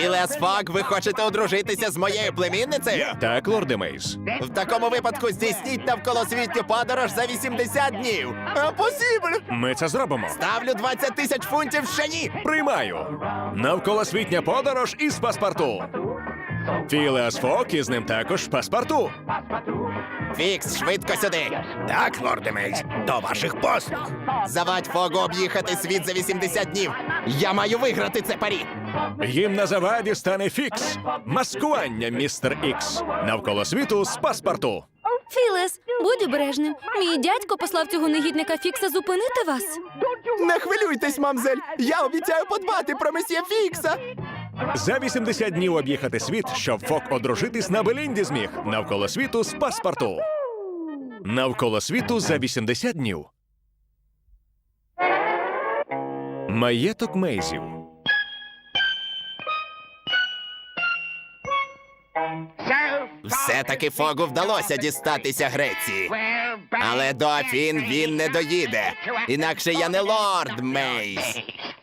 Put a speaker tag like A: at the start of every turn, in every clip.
A: Філеас Фок, ви хочете одружитися з моєю племінницею?
B: Так, лорде Мейз.
A: В такому випадку здійсніть навколосвітню подорож за 80 днів. Апосібль!
B: Ми це зробимо.
A: Ставлю 20 000 фунтів шані!
B: Приймаю. Навколосвітня подорож із паспорту. Філеас Фок із ним також паспорту.
A: Фікс, швидко сюди!
C: Так, лорде Мейз, до ваших послуг.
A: Завадь Фогу об'їхати світ за 80 днів! Я маю виграти це парі!
B: Їм на заваді стане Фікс. Маскування, містер Ікс. Навколо світу з паспорту.
D: Філес, будь обережним. Мій дядько послав цього негідника Фікса зупинити вас.
A: Не хвилюйтесь, мамзель! Я обіцяю подбати про месьє Фікса!
B: За 80 днів об'їхати світ, щоб Фок одружитись на Белінді зміг. Навколо світу з паспорту. Навколо світу за 80 днів. Маєток Мейзів.
A: Все-таки Фогу вдалося дістатися Греції. Але до Афін він не доїде. Інакше я не лорд Мейз.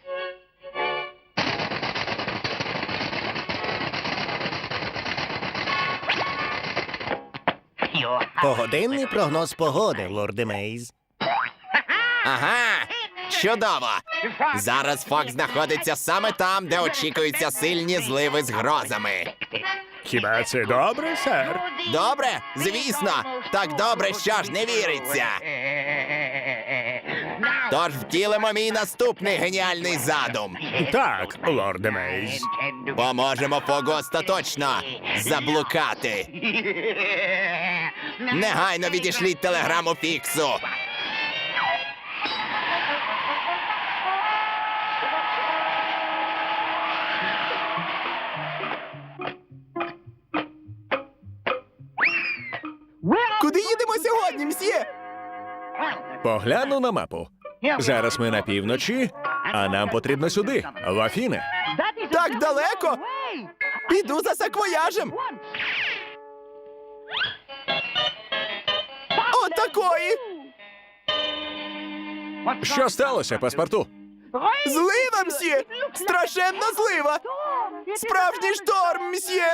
C: Погодинний прогноз погоди, лорде Мейз.
A: Ага, чудово! Зараз Фок знаходиться саме там, де очікуються сильні зливи з грозами.
B: Хіба це добре, сер?
A: Добре? Звісно! Так добре, що ж не віриться. Тож втілимо мій наступний геніальний задум.
B: Так, лорде Мейз.
A: Поможемо Фогу остаточно заблукати. Негайно відішліть телеграму Фіксу. Куди їдемо сьогодні, мсьє?
B: Погляну на мапу. Зараз ми на півночі, а нам потрібно сюди, в Афіни.
A: Так далеко? Піду за саквояжем. Отакої!
B: Що сталося, паспорту?
A: Злива, мсьє! Страшенна злива! Справжній шторм, мсьє!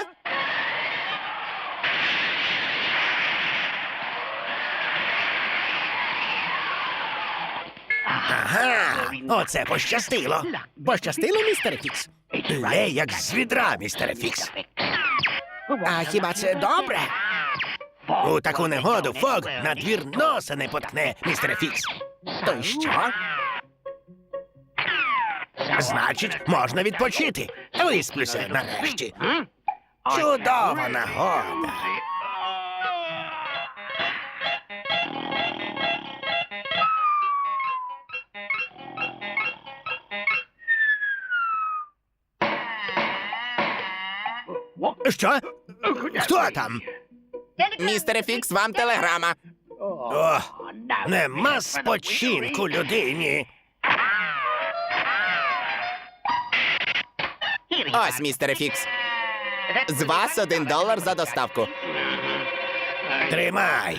C: Ага, оце пощастило. Пощастило, містере Фікс? Лє, як з відра, містере Фікс. А хіба це добре? У таку негоду Фог на двір носа не поткне, містере Фікс. То й що? Значить, можна відпочити. Висплюся нарешті. Чудова нагода. Що? Хто там?
A: Містере Фікс, вам телеграма.
C: О, нема спочинку людині.
A: Ось, містере Фікс. З вас $1 за доставку.
C: Тримай.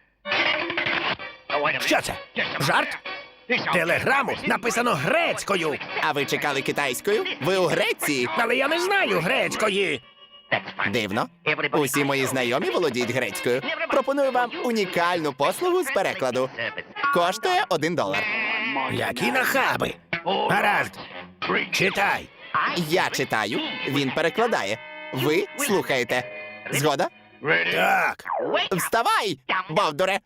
C: Що це? Жарт? Телеграму написано грецькою.
A: А ви чекали китайською? Ви у Греції?
C: Але я не знаю грецької.
A: Дивно. Усі мої знайомі володіють грецькою. Пропоную вам унікальну послугу з перекладу. Коштує $1.
C: Які нахаби. Гаразд. Читай.
A: Я читаю, він перекладає. Ви слухаєте. Згода?
C: Так.
A: Вставай, бовдуре!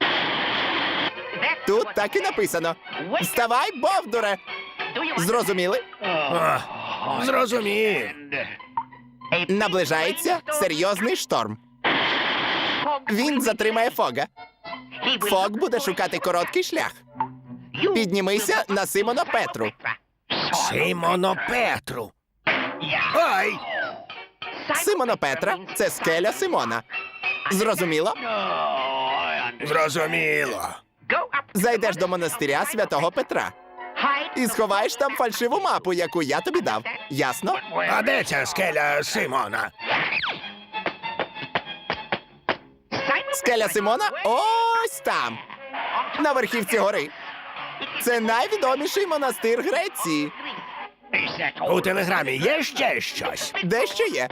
A: Тут так і написано. Вставай, бовдуре! Зрозуміли?
C: О, зрозумів.
A: Наближається серйозний шторм. Він затримає Фога. Фог буде шукати короткий шлях. Піднімися на Симона Петру.
C: Симоно Петру. Ой!
A: Симона Петра – це скеля Симона. Зрозуміло?
C: Зрозуміло.
A: Зайдеш до монастиря святого Петра і сховаєш там фальшиву мапу, яку я тобі дав. Ясно?
C: А де ця скеля Симона?
A: Скеля Симона ось там, на верхівці гори. Це найвідоміший монастир Греції.
C: У телеграмі є ще щось?
A: Дещо є.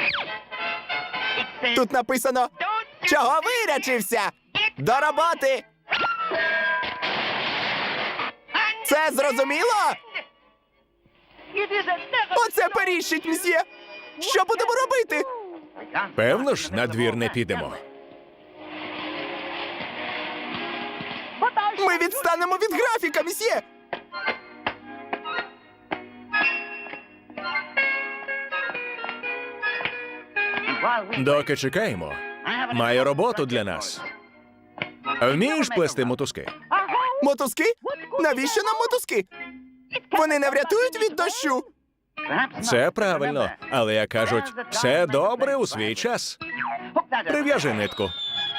A: Тут написано: чого вирячився? До роботи! Це зрозуміло? Оце періщить, мсьє! Що будемо робити?
B: Певно ж, на двір не підемо.
A: Ми відстанемо від графіка, мсьє!
B: Доки чекаємо, має роботу для нас. Вмієш плести мотузки?
A: Мотузки? Навіщо нам мотузки? Вони не врятують від дощу.
B: Це правильно, але як кажуть, все добре у свій час. Прив'яжи нитку.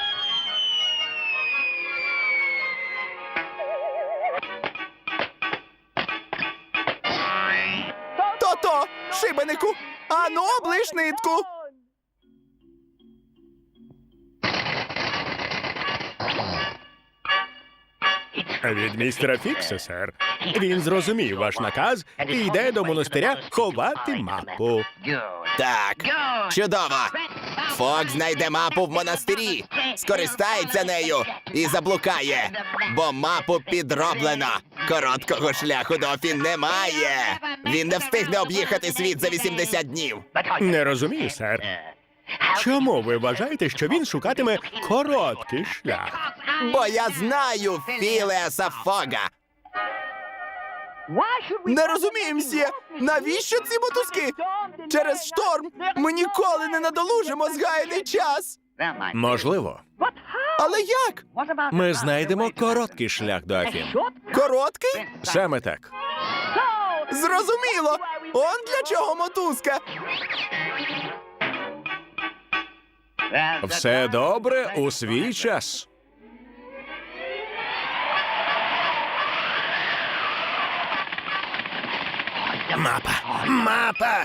A: То-то, шибенику! Ану, облиш нитку!
E: Від містера Фікса, сер. Він зрозумів ваш наказ і йде до монастиря ховати мапу.
A: Так, чудово! Фок знайде мапу в монастирі, скористається нею і заблукає, бо мапу підроблено. Короткого шляху до Афін немає. Він не встигне об'їхати світ за 80 днів.
E: Не розумію, сер. Чому ви вважаєте, що він шукатиме короткий шлях?
A: Бо я знаю Філеаса Фога. Не розумію, мсьє, навіщо ці мотузки? Через шторм ми ніколи не надолужимо згаяний час.
B: Можливо.
A: Але як?
B: Ми знайдемо короткий шлях до Афін.
A: Короткий?
B: Саме так.
A: Зрозуміло. Он для чого мотузка?
B: Все добре у свій час.
C: Мапа! Мапа!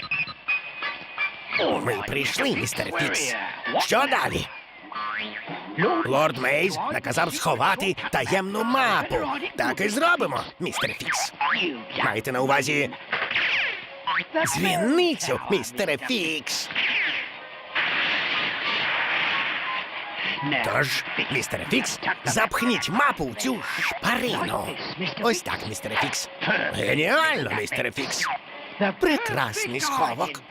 C: Ми прийшли, містер Фікс. Що далі? Лорд Мейз наказав сховати таємну мапу. Так і зробимо, містер Фікс. Маєте на увазі дзвіницю, містере Фікс. Тож, містере Фікс, запхніть мапу в цю шпарину. Ось так, містере Фікс. Геніально, містере Фікс. Прекрасний сховок.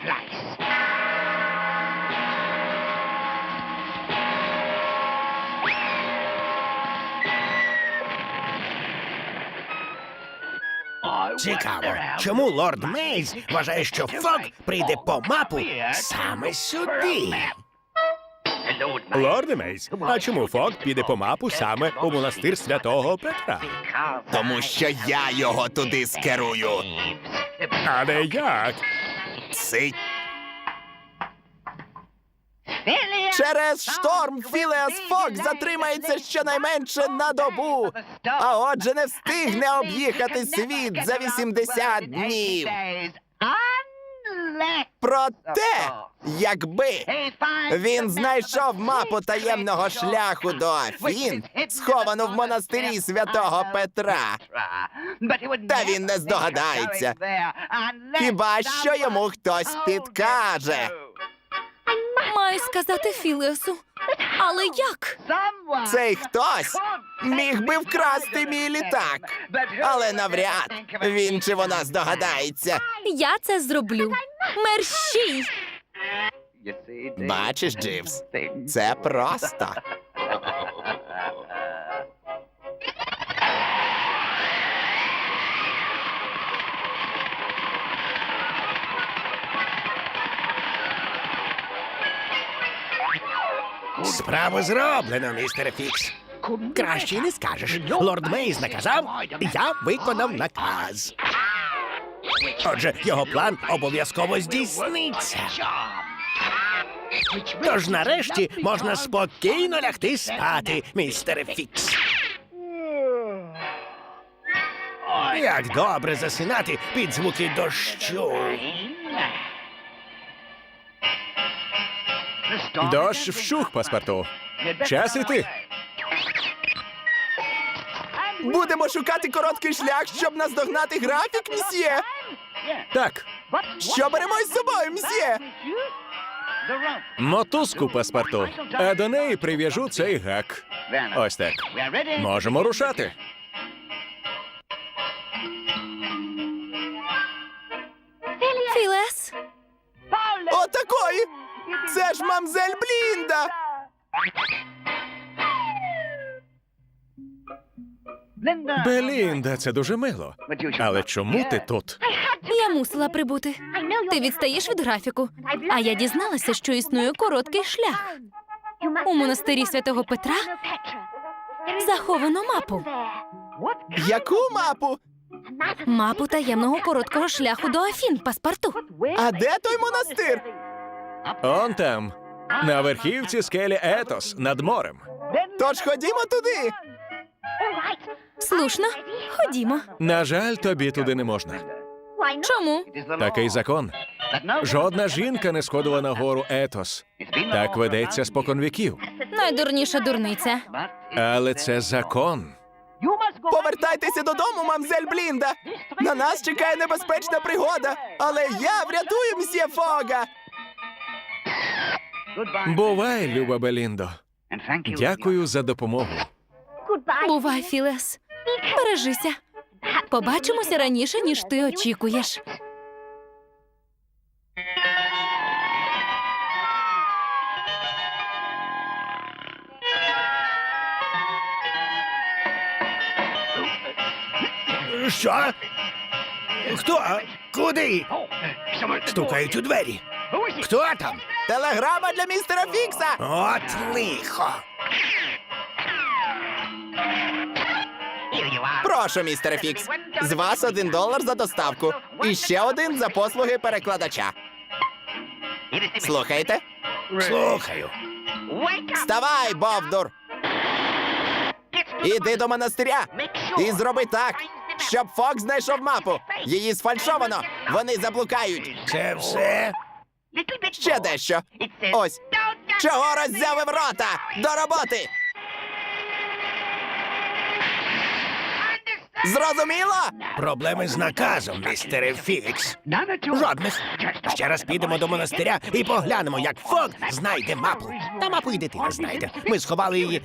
C: Цікаво, чому лорд Мейз вважає, що Фок прийде по мапу саме сюди?
E: Лорде Мейс, а чому Фок піде по мапу саме у монастир святого Петра?
A: Тому що я його туди скерую.
E: Але як?
A: Цить. Через шторм Філеас Фок затримається щонайменше на добу, а отже не встигне об'їхати світ за 80 днів. Проте, якби він знайшов мапу таємного шляху до Афін, сховану в монастирі святого Петра, та він не здогадається. Хіба що йому хтось підкаже.
D: Маю сказати Філеасу. Але як?
A: Цей хтось міг би вкрасти мій літак, але навряд він чи вона здогадається.
D: Я це зроблю. Мерщій!
A: Бачиш, Дживс, це просто.
C: Справу зроблено, містере Фікс. Краще й не скажеш. Лорд Мейз наказав, я виконав наказ. Отже, його план обов'язково здійсниться. Тож нарешті можна спокійно лягти спати, містере Фікс. Як добре засинати під звуки дощу.
B: Дощ вщух, паспорту. Час іти.
A: Будемо шукати короткий шлях, щоб наздогнати графік, мсьє.
B: Так,
A: Що беремо із собою, мсьє?
B: мотузку паспорту, а до неї прив'яжу цей гак. Ось так. Можемо рушати.
D: Філес,
A: Отакої! Це ж мамзель Блінда!
B: Белінда, це дуже мило. Але чому ти тут?
D: я мусила прибути. Ти відстаєш від графіку, а я дізналася, що існує короткий шлях. У монастирі святого Петра заховано мапу.
A: Яку мапу?
D: Мапу таємного короткого шляху до Афін, паспорту.
A: А де той монастир?
B: Он там, на верхівці скелі Етос, над морем.
A: Тож ходімо туди.
D: Слушно, ходімо.
B: На жаль, тобі туди не можна.
D: Чому?
B: Такий закон. Жодна жінка не сходила на гору Етос. Так ведеться споконвіків.
D: Найдурніша дурниця.
B: Але це закон.
A: Повертайтеся додому, мамзель Блінда. На нас чекає небезпечна пригода, але я врятую мсьє Фога.
B: Бувай, люба Беліндо. Дякую за допомогу.
D: Бувай, Філес. Бережися. Побачимося раніше, ніж ти очікуєш.
C: Що? Хто? Куди? Стукають у двері. Хто там?
A: Телеграма для містера Фікса.
C: От лихо.
A: Прошу, містере Фікс. З вас $1 за доставку. І ще один за послуги перекладача. Слухайте?
C: Слухаю.
A: Вставай, Бовдур! Іди до монастиря і зроби так, щоб Фок знайшов мапу. Її сфальшовано. Вони заблукають.
C: Це все?
A: Ще дещо. Ось. Чого роззявив рота? До роботи! Зрозуміло?
C: Проблеми з наказом, містере Фікс. Жодних. Ще раз підемо до монастиря і поглянемо, як Фок знайде мапу. Та мапу і дитина знайде. Ми сховали її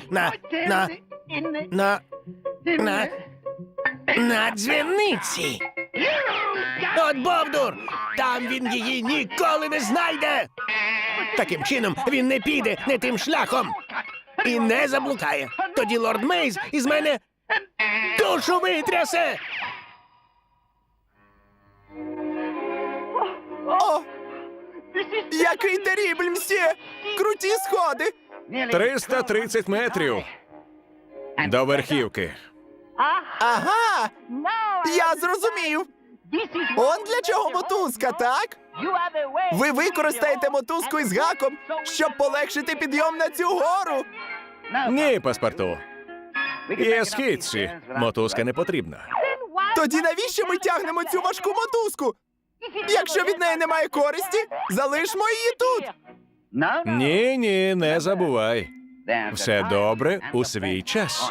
C: на дзвіниці. От Бовдур! Там він її ніколи не знайде. Таким чином він не піде не тим шляхом і не заблукає. Тоді лорд Мейз із мене душу витрясе.
A: О! Який терібль, мсьє! Круті сходи!
B: 330 метрів до верхівки.
A: Ага! Я зрозумів! Он для чого мотузка, так? Ви використаєте мотузку із гаком, щоб полегшити підйом на цю гору.
B: Ні, паспорту. Є східці. Мотузка не потрібна.
A: Тоді навіщо ми тягнемо цю важку мотузку? Якщо від неї немає користі, залишмо її тут.
B: Ні, не забувай. Все добре у свій час.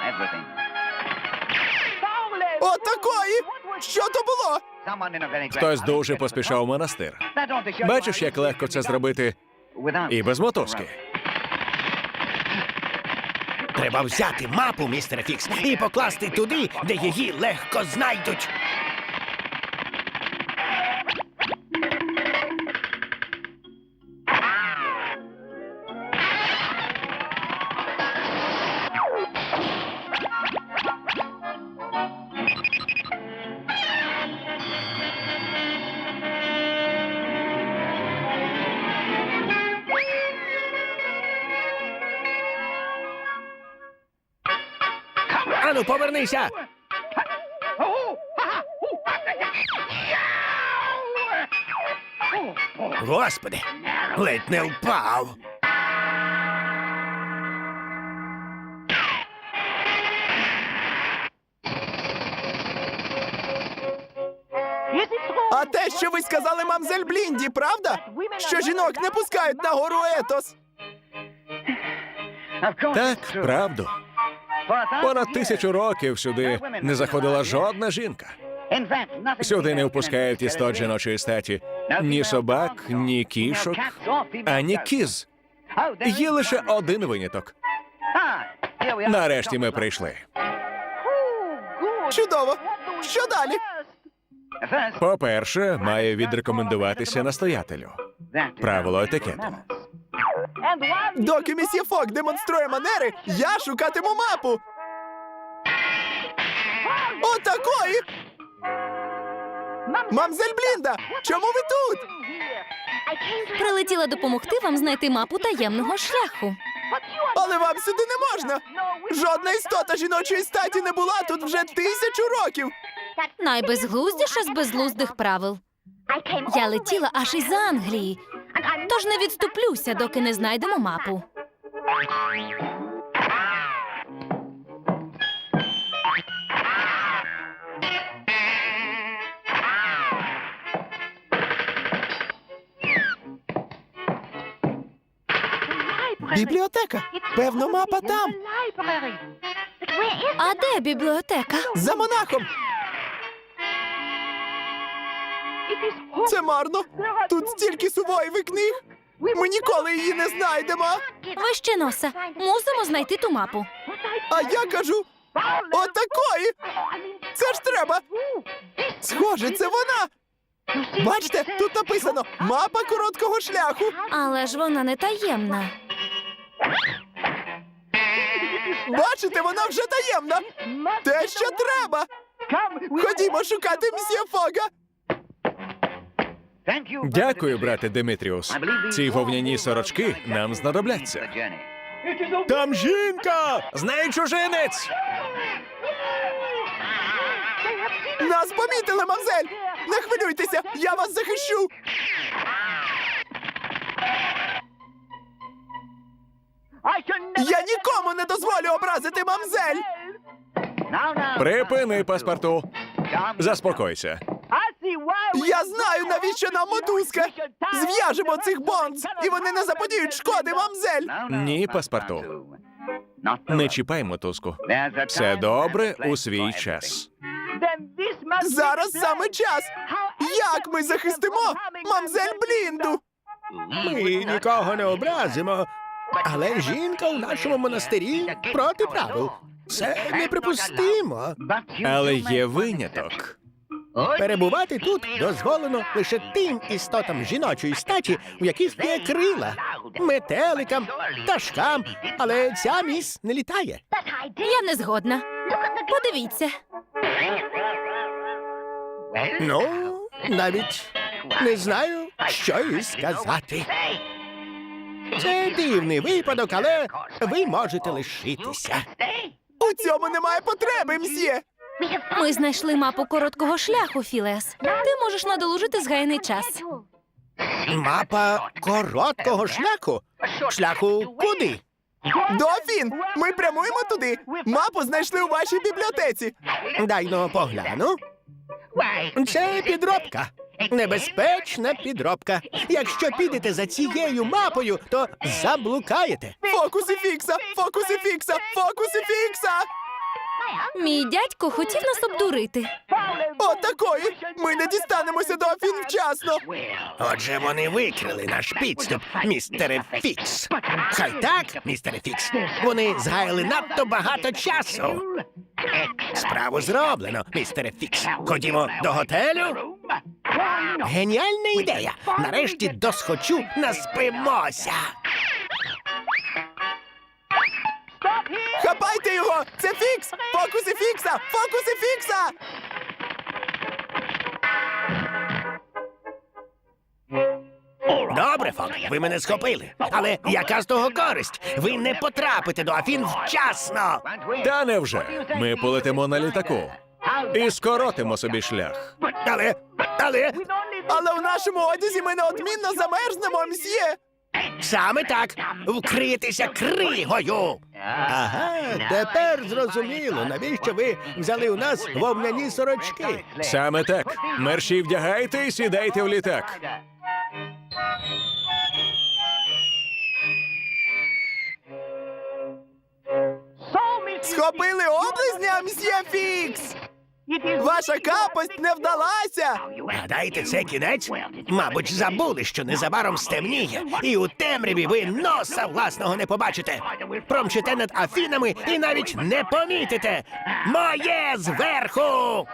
A: Отакої! Що то було?
B: Хтось дуже поспішав у монастир. Бачиш, як легко це зробити і без мотузки.
C: Треба взяти мапу, містере Фікс, і покласти туди, де її легко знайдуть. Ану, повернися! Господи, ледь не впав.
A: А те, що ви сказали мамзель Блінді, правда? Що жінок не пускають на гору Етос.
B: Так, правду. Понад 1000 років сюди не заходила жодна жінка. Сюди не впускають істот жіночої статі. Ні собак, ні кішок, ані кіз. Є лише один виняток. Нарешті ми прийшли.
A: Чудово! Що далі?
B: По-перше, має відрекомендуватися настоятелю. Правило етикету.
A: Доки місьє Фок демонструє манери, я шукатиму мапу. Отакої! Мамзель Блінда, чому ви тут?
D: Прилетіла допомогти вам знайти мапу таємного шляху.
A: Але вам сюди не можна. Жодна істота жіночої статі не була тут вже 1000 років.
D: Найбезглуздіше з безглуздих правил. Я летіла аж із Англії, тож не відступлюся, доки не знайдемо мапу.
A: Бібліотека. Певно, мапа там.
D: А де бібліотека?
A: За монахом. Це марно. Тут стільки сувоїв і книг. Ми ніколи її не знайдемо.
D: Вище носа. Мусимо знайти ту мапу.
A: А я кажу, отакої. Це ж треба. Схоже, це вона. Бачите, тут написано «Мапа короткого шляху».
D: Але ж вона не таємна.
A: Бачите, вона вже таємна. Те, що треба. Ходімо шукати мсьє Фога.
B: Дякую, брате Димитріус. Ці вовняні сорочки нам знадобляться.
E: Там жінка!
B: З нею чужинець!
A: Нас помітили, мамзель. Не хвилюйтеся, я вас захищу. Я нікому не дозволю образити мамзель.
B: Припини, паспорту. Заспокойся.
A: Я знаю, навіщо нам мотузка. Зв'яжемо цих бонз, і вони не заподіють шкоди мамзель.
B: Ні, паспорту. Не чіпай мотузку. Все добре у свій час.
A: Зараз саме час. Як ми захистимо мамзель Блінду?
E: Ми нікого не образимо. Але жінка у нашому монастирі проти правил. Це неприпустимо.
B: Але є виняток.
E: Перебувати тут дозволено лише тим істотам жіночої статі, у яких є крила, метеликам, пташкам, але ця міс не літає.
D: Я не згодна. Подивіться.
E: Ну, навіть не знаю, що і сказати. Це дивний випадок, але ви можете лишитися.
A: У цьому немає потреби, мсьє.
D: Ми знайшли мапу короткого шляху, Філес. Ти можеш надолужити згаяний час.
E: Мапа короткого шляху? Шляху куди?
A: Дофін, ми прямуємо туди. Мапу знайшли у вашій бібліотеці.
E: Дай-но погляну. Це підробка. Небезпечна підробка. Якщо підете за цією мапою, то заблукаєте.
A: Фокуси фікса, фокуси фікса, фокуси фікса.
D: Мій дядько хотів нас обдурити.
A: Отакої. Ми не дістанемося до Афін вчасно.
E: Отже, вони викрили наш підступ, містере Фікс. Хай так, містере Фікс. Вони згаяли надто багато часу. Справу зроблено, містере Фікс. Ходімо до готелю. Геніальна ідея. Нарешті досхочу наспимося.
A: Хапайте його! Це фікс! Фокуси фікса! Фокуси фікса!
E: Добре, Фок, ви мене схопили. Але яка з того користь? Ви не потрапите до Афін вчасно.
B: Та невже? Ми полетимо на літаку і скоротимо собі шлях.
E: Але
A: в нашому одязі ми неодмінно замерзнемо, мсьє!
E: саме так, вкритися кригою. Ага, тепер зрозуміло, навіщо ви взяли у нас вовняні сорочки.
B: Саме так. Мерші вдягайте і сідайте в літак.
A: Схопили облизня, мсьє Фікс! Ваша капость не вдалася!
E: Гадаєте, це кінець? Мабуть, забули, що незабаром стемніє, і у темряві ви носа власного не побачите. Промчите над Афінами і навіть не помітите. Моє зверху!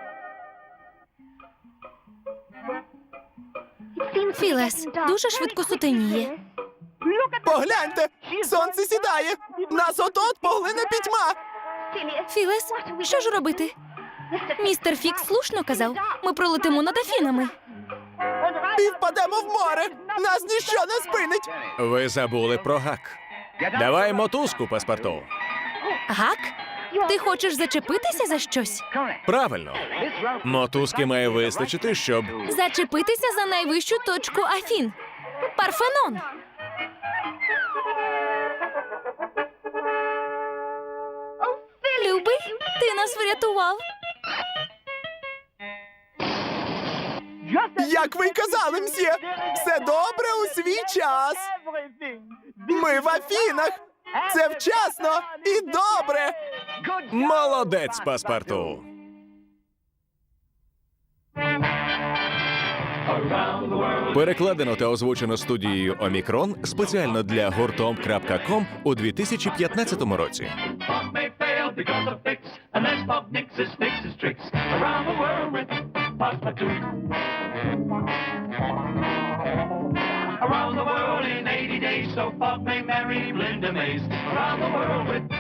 D: Філес, дуже швидко сутеніє.
A: Погляньте! Сонце сідає! Нас от-от поглине пітьма!
D: Філес, що ж робити? Містер Фікс слушно казав, ми пролетимо над Афінами.
A: І впадемо в море! Нас ніщо не спинить!
B: Ви забули про гак. Давай мотузку, паспорту.
D: Гак? Ти хочеш зачепитися за щось?
B: Правильно. Мотузки має вистачити, щоб...
D: Зачепитися за найвищу точку Афін. Парфенон. Любий, ти нас врятував.
A: Як ви й казали, мсьє! Все добре у свій час! Ми в Афінах! Це вчасно і добре!
B: Молодець, паспорту. Перекладено та озвучено студією Омікрон спеціально для гуртом.ком у 2015 році.
F: Bob may fail because of fix, unless Bob Nix's fixes tricks around the world with Passepartout. Around the world in 80 days, so Bob may marry Linda Mays. Around the world with